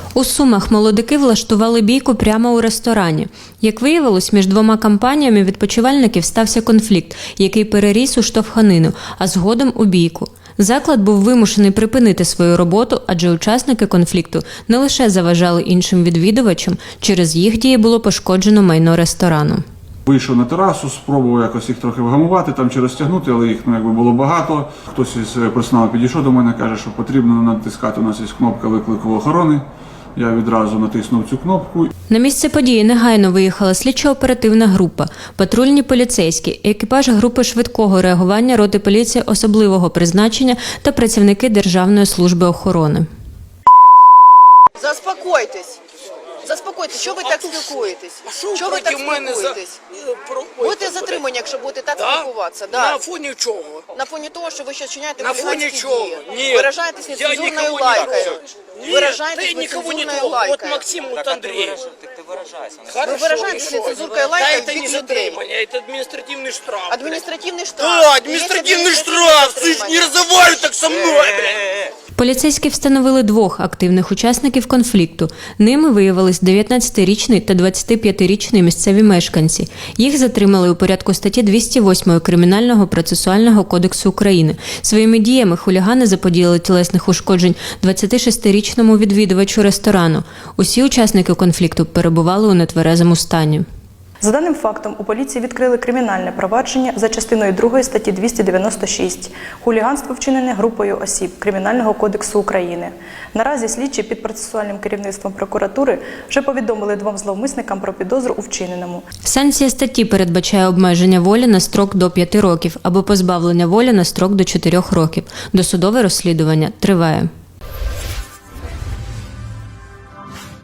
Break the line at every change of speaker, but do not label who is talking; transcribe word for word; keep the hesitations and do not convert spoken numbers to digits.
У Сумах молодики влаштували бійку прямо у ресторані. Як виявилось, між двома компаніями відпочивальників стався конфлікт, який переріс у штовханину, а згодом у бійку. Заклад був вимушений припинити свою роботу, адже учасники конфлікту не лише заважали іншим відвідувачам, через їх дії було пошкоджено майно ресторану.
Вийшов на терасу, спробував якось їх трохи вгамувати, там чи розтягнути, але їх ну, якби було багато. Хтось із персоналу підійшов до мене, каже, що потрібно натискати, у нас є кнопка виклику охорони. Я відразу натиснув цю кнопку.
На місце події негайно виїхала слідчо-оперативна група, патрульні поліцейські, екіпаж групи швидкого реагування роти поліції особливого призначення та працівники Державної служби охорони.
Заспокойтесь. Заспокойтесь. Що ви так спілкуєтесь? Що ви так спілкуєтесь? Будете затримані, якщо будете так спілкуватися. Да.
На фоні чого?
На фоні того, що ви ще вчиняєте
На фоні
хуліганські
чого?
дії.
Ні.
Виражаєтесь нецензурною лайкою.
Ні,
Виражаєтесь
ти никого не
нецензурною
трогай. Вот
лайкою.
Максим, вот Андрей.
Ви виражаєтесь нецензуркою лайкою
это
в
не
бік людей.
затримання, это административный штраф.
Адміністративний штраф.
Да, административный штраф! Ты ж не разговаривай так со мной, блядь!
Поліцейські встановили двох активних учасників конфлікту. Ними виявились дев'ятнадцятирічний та двадцятип'ятирічний місцеві мешканці. Їх затримали у порядку статті двісті восьмої Кримінального процесуального кодексу України. Своїми діями хулігани заподіяли тілесних ушкоджень двадцятишестирічному відвідувачу ресторану. Усі учасники конфлікту перебували у нетверезому стані.
За даним фактом, у поліції відкрили кримінальне провадження за частиною другої статті двісті дев'яносто шість «Хуліганство, вчинене групою осіб Кримінального кодексу України». Наразі слідчі під процесуальним керівництвом прокуратури вже повідомили двом зловмисникам про підозру у вчиненому.
Санкція статті передбачає обмеження волі на строк до п'яти років або позбавлення волі на строк до чотирьох років. Досудове розслідування триває.